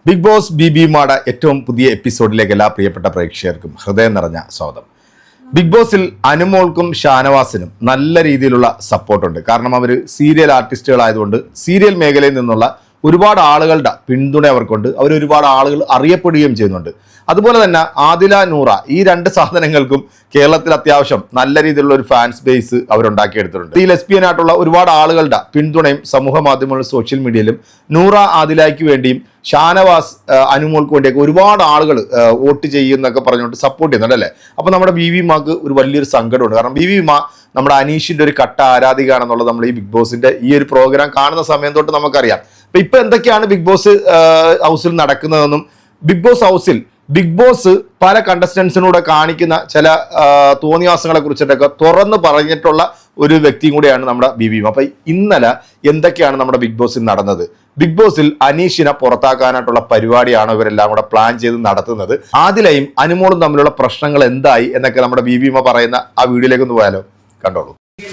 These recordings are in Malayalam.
ബിഗ് ബോസ് ബി മാട ഏറ്റവും പുതിയ എപ്പിസോഡിലേക്ക് എല്ലാ പ്രിയപ്പെട്ട പ്രേക്ഷകർക്കും ഹൃദയം നിറഞ്ഞ സ്വാഗതം. ബിഗ് ബോസിൽ അനുമോൾക്കും ഷാനവാസിനും നല്ല രീതിയിലുള്ള സപ്പോർട്ടുണ്ട്. കാരണം അവർ സീരിയൽ ആർട്ടിസ്റ്റുകളായതുകൊണ്ട് സീരിയൽ മേഖലയിൽ നിന്നുള്ള ഒരുപാട് ആളുകളുടെ പിന്തുണ അവർക്കുണ്ട്. അവർ ഒരുപാട് ആളുകൾ അറിയപ്പെടുകയും ചെയ്യുന്നുണ്ട്. അതുപോലെ തന്നെ ആദില, നൂറ ഈ രണ്ട് സാധനങ്ങൾക്കും കേരളത്തിൽ അത്യാവശ്യം നല്ല രീതിയിലുള്ള ഒരു ഫാൻസ് ബേസ് അവരുണ്ടാക്കിയെടുത്തിട്ടുണ്ട്. ഈ ലെസ്ബിയൻ ആയിട്ടുള്ള ഒരുപാട് ആളുകളുടെ പിന്തുണയും സമൂഹ മാധ്യമങ്ങളിലും സോഷ്യൽ മീഡിയയിലും നൂറ ആദിലയ്ക്ക് വേണ്ടിയും ഷാനവാസ് അനുമോൾക്ക് വേണ്ടിയൊക്കെ ഒരുപാട് ആളുകൾ വോട്ട് ചെയ്യുന്നൊക്കെ പറഞ്ഞുകൊണ്ട് സപ്പോർട്ട് ചെയ്യുന്നുണ്ട് അല്ലേ. അപ്പോൾ നമ്മുടെ ബി മാക്ക് ഒരു വലിയൊരു സങ്കടമുണ്ട്. കാരണം ബി മാ നമ്മുടെ അനീഷിന്റെ ഒരു കട്ട ആരാധികയാണെന്നുള്ളത് നമ്മൾ ഈ ബിഗ് ബോസിന്റെ ഈ ഒരു പ്രോഗ്രാം കാണുന്ന സമയം തൊട്ട് നമുക്കറിയാം. അപ്പൊ ഇപ്പൊ എന്തൊക്കെയാണ് ബിഗ് ബോസ് ഹൗസിൽ നടക്കുന്നതെന്നും ബിഗ് ബോസ് പല കണ്ടസ്റ്റൻസിനൂടെ കാണിക്കുന്ന ചില തോന്നിവാസങ്ങളെ കുറിച്ചിട്ടൊക്കെ തുറന്ന് പറഞ്ഞിട്ടുള്ള ഒരു വ്യക്തിയും കൂടിയാണ് നമ്മുടെ ബി. അപ്പൊ ഇന്നലെ എന്തൊക്കെയാണ് നമ്മുടെ ബിഗ് ബോസിൽ നടന്നത്? ബിഗ് ബോസിൽ അനീഷിനെ പുറത്താക്കാനായിട്ടുള്ള പരിപാടിയാണോ ഇവരെല്ലാം കൂടെ പ്ലാൻ ചെയ്ത് നടത്തുന്നത്? ആദിലയും അനുമോളും തമ്മിലുള്ള പ്രശ്നങ്ങൾ എന്തായി എന്നൊക്കെ നമ്മുടെ ബി പറയുന്ന ആ വീഡിയോയിലേക്ക് ഒന്ന് പോയാലോ, കണ്ടോളൂ.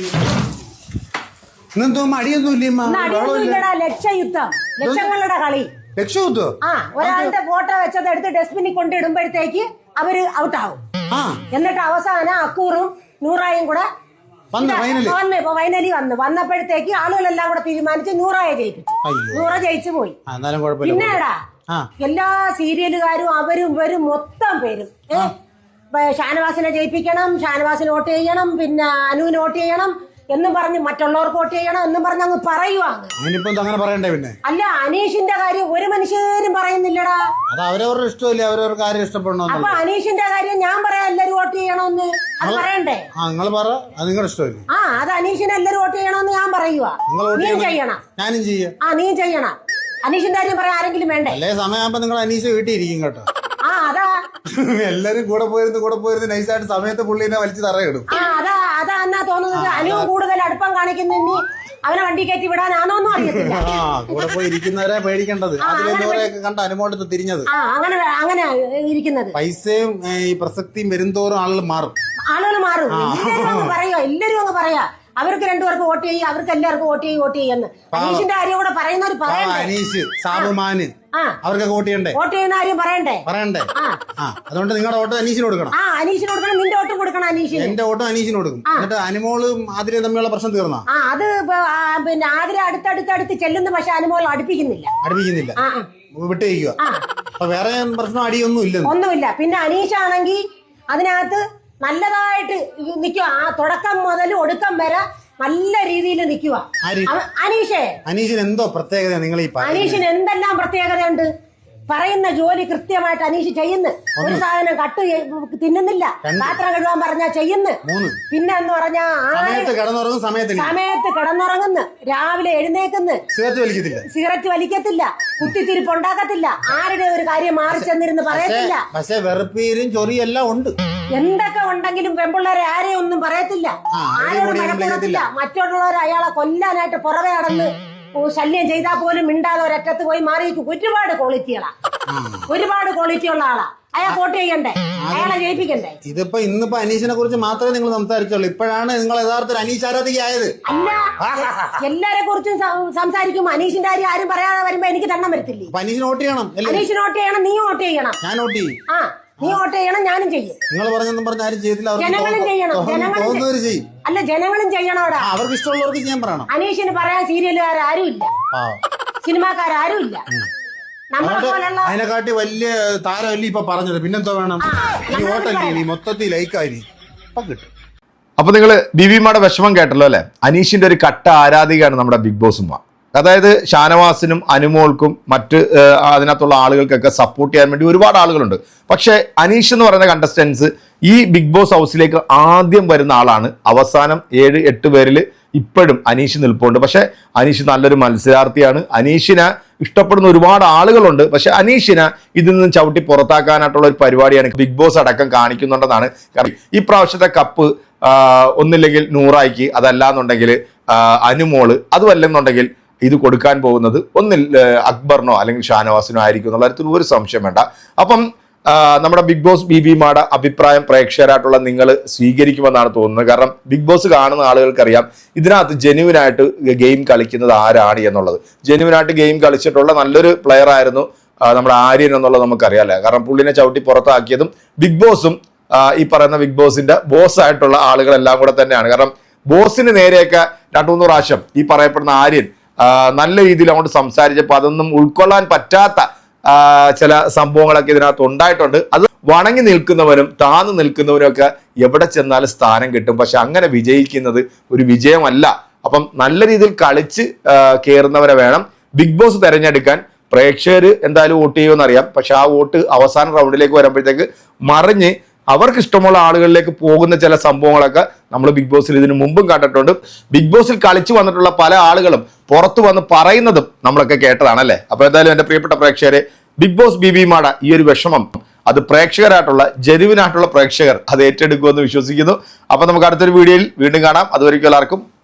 ലക്ഷങ്ങളുടെ കളി ഒരാളുടെ ഫോട്ടോ വെച്ചത് എടുത്ത് ഡസ്റ്റ്ബിനിൽ കൊണ്ടിടുമ്പോഴത്തേക്ക് അവര് ഔട്ടാവും. എന്നിട്ട് അവസാനം അക്കൂറും നൂറായും കൂടെ ഫൈനലി വന്നപ്പോഴത്തേക്ക് ആളുകളെല്ലാം കൂടെ തീരുമാനിച്ച് നൂറായെ ജയിപ്പിച്ചു. നൂറ ജയിച്ചു പോയി. പിന്നെടാ എല്ലാ സീരിയലുകാരും അവരും ഇവരും മൊത്തം പേരും ഷാനവാസിനെ ജയിപ്പിക്കണം, ഷാനവാസിന് വോട്ട് ചെയ്യണം, പിന്നെ അനുവിന് വോട്ട് ചെയ്യണം എന്നും പറഞ്ഞ് മറ്റുള്ളവർക്ക് വോട്ട് ചെയ്യണം എന്നും പറഞ്ഞ് അങ്ങ് പറയുവാണ്. പിന്നെ അല്ല, അനീഷിന്റെ കാര്യം ഒരു മനുഷ്യരും പറയുന്നില്ലടാ. അത് അവരവരുടെ ഇഷ്ടമല്ലേ, അവരവരുടെ കാര്യം ഇഷ്ടപ്പെടണം. അപ്പൊ അനീഷിന്റെ കാര്യം ഞാൻ പറയാം എല്ലാരും വോട്ട് ചെയ്യണമെന്ന്. അത് പറയണ്ടേ? നിങ്ങൾ പറ, അത് നിങ്ങളുടെ ഇഷ്ടമല്ലേ. അത് അനീഷിനെ എല്ലാരും വോട്ട് ചെയ്യണമെന്ന് ഞാൻ പറയുക. നീ ചെയ്യണം. ഞാനും ചെയ്യാം. നീ ചെയ്യണം. അനീഷിന്റെ കാര്യം പറയാൻ ആരെങ്കിലും വേണ്ടേ? അല്ലേ സമയമാകുമ്പോ നിങ്ങൾ അനീഷ് വീട്ടിൽ ഇരിക്കും കേട്ടോ. അതാ എല്ലാരും കൂടെ പോയിരുന്ന് നൈസായിട്ട് സമയത്ത് പുള്ളിനെ വലിച്ച് തറയിടും. അതാ എന്നാ തോന്നുന്നത്. അനുവും കൂടുതൽ അടുപ്പം കാണിക്കുന്ന അവനെ വണ്ടി കയറ്റി വിടാനാണോന്നും അറിയത്തില്ല. കൂടെ പോയി ഇരിക്കുന്നവരെ പേടിക്കേണ്ടത്. അതിലൊക്കെ കണ്ട അനുമോളത്ത് തിരിഞ്ഞത് അങ്ങനെ ഇരിക്കുന്നത്. പൈസയും ഈ പ്രസക്തിയും വരുംതോറും ആളുകൾ മാറും. എല്ലാരും അങ്ങ് പറയാ അവർക്ക് രണ്ടുപേർക്ക് വോട്ട് ചെയ്യും, അവർക്ക് എല്ലാവർക്കും വോട്ട് ചെയ്യുന്നു. അനീഷിന്റെ കാര്യം കൂടെ പറയുന്നവർ അനീഷ്, സാബുമാന് അവർക്ക് വോട്ട് ചെയ്യണ്ടേ? വോട്ട് ചെയ്യുന്ന കാര്യം പറയണ്ടേ? അതുകൊണ്ട് നിങ്ങളുടെ വോട്ട് അനീഷിന് കൊടുക്കണം. അനീഷിന് കൊടുക്കണം. നിന്റെ വോട്ടും കൊടുക്കണം അനീഷിന്. എന്റെ വോട്ടും അനീഷിന് കൊടുക്കും. എന്നിട്ട് അനുമോളും ആതിരയും തമ്മിലുള്ള പ്രശ്നം തീർന്നാ? അത് പിന്നെ ആതിര അടുത്തടുത്ത് ചെല്ലുന്നു, പക്ഷെ അനുമോൾ അടുപ്പിക്കുന്നില്ല. വിട്ടേക്കുക. അപ്പൊ വേറെ പ്രശ്നം ഒന്നുമില്ല. പിന്നെ അനീഷാണെങ്കിൽ അതിനകത്ത് നല്ലതായിട്ട് നിൽക്കുക. തുടക്കം മുതൽ ഒടുക്കം വരെ നല്ല രീതിയിൽ നിൽക്കുക. അനീഷിന് എന്തോ പ്രത്യേകത? അനീഷിന് എന്തെല്ലാം പ്രത്യേകതയുണ്ട്? പറയുന്ന ജോലി കൃത്യമായിട്ട് അനീഷ് ചെയ്യുന്നു. ഒരു സാധനം കട്ട് തിന്നുന്നില്ല. പാത്രം കഴുകാൻ പറഞ്ഞാ ചെയ്യുന്നു. പിന്നെ എന്ന് പറഞ്ഞാ സമയത്ത് കിടന്നുറങ്ങുന്നു, രാവിലെ എഴുന്നേക്കുന്നു, സിഗരറ്റ് വലിക്കത്തില്ല, കുത്തിത്തിരിപ്പ് ഉണ്ടാക്കത്തില്ല, ആരുടെ ഒരു കാര്യം മാറി ചെന്നിരുന്ന് പറയത്തില്ല. പക്ഷെ വെറുപ്പീരും ചൊറിയെല്ലാം ഉണ്ട്. എന്തൊക്കെ ഉണ്ടെങ്കിലും പെൺപിള്ളേരെ ആരെയും ഒന്നും പറയത്തില്ല, ആരോടും മഴപ്പെടുത്തില്ല. മറ്റുള്ളവരെ അയാളെ കൊല്ലാനായിട്ട് പുറകെ നടന്ന് ശല്യം ചെയ്താൽ പോലും മിണ്ടാതെ ഒരറ്റത്ത് പോയി മാറിയിരിക്കും. ഒരുപാട് ക്വാളിറ്റിയുള്ള ആളാ. അയാൾ വോട്ട് ചെയ്യണ്ടേ? അയാളെ ജയിപ്പിക്കണ്ടേ? ഇതിപ്പോ ഇന്നിപ്പോ അനീഷിനെ കുറിച്ച് മാത്രമേ നിങ്ങൾ സംസാരിച്ചുള്ളൂ. ഇപ്പോഴാണ് നിങ്ങൾ യഥാർത്ഥത്തിൽ അനീഷ് ആരാധികയായത്. അല്ല, എല്ലാരെ കുറിച്ചും സംസാരിക്കും. അനീഷിന്റെ കാര്യം ആരും പറയാതെ വരുമ്പോ എനിക്ക് തണ്ണം വരത്തില്ലേ? അനീഷിന് വോട്ട് ചെയ്യണം. അനീഷിന് വോട്ട് ചെയ്യണം. നീ വോട്ട് ചെയ്യണം. ഞാൻ വോട്ട് ചെയ്യും. നീ വോട്ട് ചെയ്യണം. ഞാനും ചെയ്യും. നിങ്ങൾ പറഞ്ഞൊന്നും പറഞ്ഞ ആരും ചെയ്തില്ല. ജനങ്ങളും ചെയ്യണം. അല്ല, ജനങ്ങളും ചെയ്യണോടാ. അവർക്ക് ഇഷ്ടമുള്ളവർക്ക് ചെയ്യാൻ പറയണം. അനീഷിന് പറയാൻ സീരിയലുകാരും ഇല്ല, സിനിമാക്കാരും ഇല്ല. അതിനെക്കാട്ടി വലിയ താരമല്ലേ ഇപ്പൊ പറഞ്ഞത്. പിന്നെന്തോ വേണം? ഈ വോട്ടല്ലേ മൊത്തത്തിൽ ലൈക്കായി കിട്ടും. അപ്പൊ നിങ്ങള് ബിബിമാടെ വിഷമം കേട്ടല്ലോ അല്ലെ. അനീഷിന്റെ ഒരു കട്ട ആരാധികയാണ് നമ്മുടെ ബിഗ് ബോസും. അതായത് ഷാനവാസിനും അനുമോൾക്കും മറ്റ് അതിനകത്തുള്ള ആളുകൾക്കൊക്കെ സപ്പോർട്ട് ചെയ്യാൻ വേണ്ടി ഒരുപാട് ആളുകളുണ്ട്. പക്ഷേ അനീഷ് എന്ന് പറയുന്ന കണ്ടസ്റ്റൻസ് ഈ ബിഗ് ബോസ് ഹൗസിലേക്ക് ആദ്യം വരുന്ന ആളാണ്. അവസാനം 7-8 പേരിൽ ഇപ്പോഴും അനീഷ് നിൽപ്പുണ്ട്. പക്ഷെ അനീഷ് നല്ലൊരു മത്സരാർത്ഥിയാണ്. അനീഷിനെ ഇഷ്ടപ്പെടുന്ന ഒരുപാട് ആളുകളുണ്ട്. പക്ഷെ അനീഷിനെ ഇതിൽ നിന്നും ചവിട്ടി പുറത്താക്കാനായിട്ടുള്ള ഒരു പരിപാടിയാണ് ബിഗ് ബോസ് അടക്കം കാണിക്കുന്നുണ്ടെന്നാണ്. കാരണം ഈ പ്രാവശ്യത്തെ കപ്പ് ഒന്നില്ലെങ്കിൽ നൂറായിക്ക്, അതല്ലാന്നുണ്ടെങ്കിൽ അനുമോള്, അതുമല്ലെന്നുണ്ടെങ്കിൽ ഇത് കൊടുക്കാൻ പോകുന്നത് ഒന്നിൽ അക്ബറിനോ അല്ലെങ്കിൽ ഷാനവാസിനോ ആയിരിക്കും എന്നുള്ള കാര്യത്തിൽ ഒരു സംശയം വേണ്ട. അപ്പം നമ്മുടെ ബിഗ് ബോസ് ബിബിമാടെ അഭിപ്രായം പ്രേക്ഷകരായിട്ടുള്ള നിങ്ങൾ സ്വീകരിക്കുമെന്നാണ് തോന്നുന്നത്. കാരണം ബിഗ് ബോസ് കാണുന്ന ആളുകൾക്കറിയാം ഇതിനകത്ത് ജെന്യുവിനായിട്ട് ഗെയിം കളിക്കുന്നത് ആരാണ് എന്നുള്ളത്. ജെന്യുവിനായിട്ട് ഗെയിം കളിച്ചിട്ടുള്ള നല്ലൊരു പ്ലെയർ ആയിരുന്നു നമ്മുടെ ആര്യൻ എന്നുള്ളത് നമുക്കറിയാമല്ലേ. കാരണം പുള്ളിനെ ചവിട്ടി പുറത്താക്കിയതും ബിഗ് ബോസും ഈ പറയുന്ന ബിഗ് ബോസിന്റെ ബോസ് ആയിട്ടുള്ള ആളുകളെല്ലാം കൂടെ തന്നെയാണ്. കാരണം ബോസിന് നേരെയൊക്കെ 2-3 പ്രാവശ്യം ഈ പറയപ്പെടുന്ന ആര്യൻ നല്ല രീതിയിൽ അങ്ങോട്ട് സംസാരിച്ചപ്പോൾ അതൊന്നും ഉൾക്കൊള്ളാൻ പറ്റാത്ത ചില സംഭവങ്ങളൊക്കെ ഇതിനകത്ത് ഉണ്ടായിട്ടുണ്ട്. അത് വണങ്ങി നിൽക്കുന്നവനും താന്നു നിൽക്കുന്നവനും ഒക്കെ എവിടെ ചെന്നാലും സ്ഥാനം കിട്ടും. പക്ഷെ അങ്ങനെ വിജയിക്കുന്നത് ഒരു വിജയമല്ല. അപ്പം നല്ല രീതിയിൽ കളിച്ച് കയറുന്നവരെ വേണം ബിഗ് ബോസ് തിരഞ്ഞെടുക്കാൻ. പ്രേക്ഷകർ എന്തായാലും വോട്ട് ചെയ്യുമെന്ന് അറിയാം. പക്ഷെ ആ വോട്ട് അവസാന റൗണ്ടിലേക്ക് വരുമ്പോഴത്തേക്ക് മറിഞ്ഞ് അവർക്ക് ഇഷ്ടമുള്ള ആളുകളിലേക്ക് പോകുന്ന ചില സംഭവങ്ങളൊക്കെ നമ്മൾ ബിഗ് ബോസിൽ ഇതിനു മുമ്പും കണ്ടിട്ടുണ്ട്. ബിഗ് ബോസിൽ കളിച്ചു വന്നിട്ടുള്ള പല ആളുകളും പുറത്തു വന്ന് പറയുന്നതും നമ്മളൊക്കെ കേട്ടതാണല്ലേ. അപ്പൊ എന്തായാലും എൻ്റെ പ്രിയപ്പെട്ട പ്രേക്ഷകരെ, ബിഗ് ബോസ് ബിബിമാട ഈ ഒരു വിഷമം അത് പ്രേക്ഷകരായിട്ടുള്ള ജെനുവിനായിട്ടുള്ള പ്രേക്ഷകർ അത് ഏറ്റെടുക്കുമെന്ന് വിശ്വസിക്കുന്നു. അപ്പൊ നമുക്ക് അടുത്തൊരു വീഡിയോയിൽ വീണ്ടും കാണാം. അതുവരെയ്ക്കും എല്ലാവർക്കും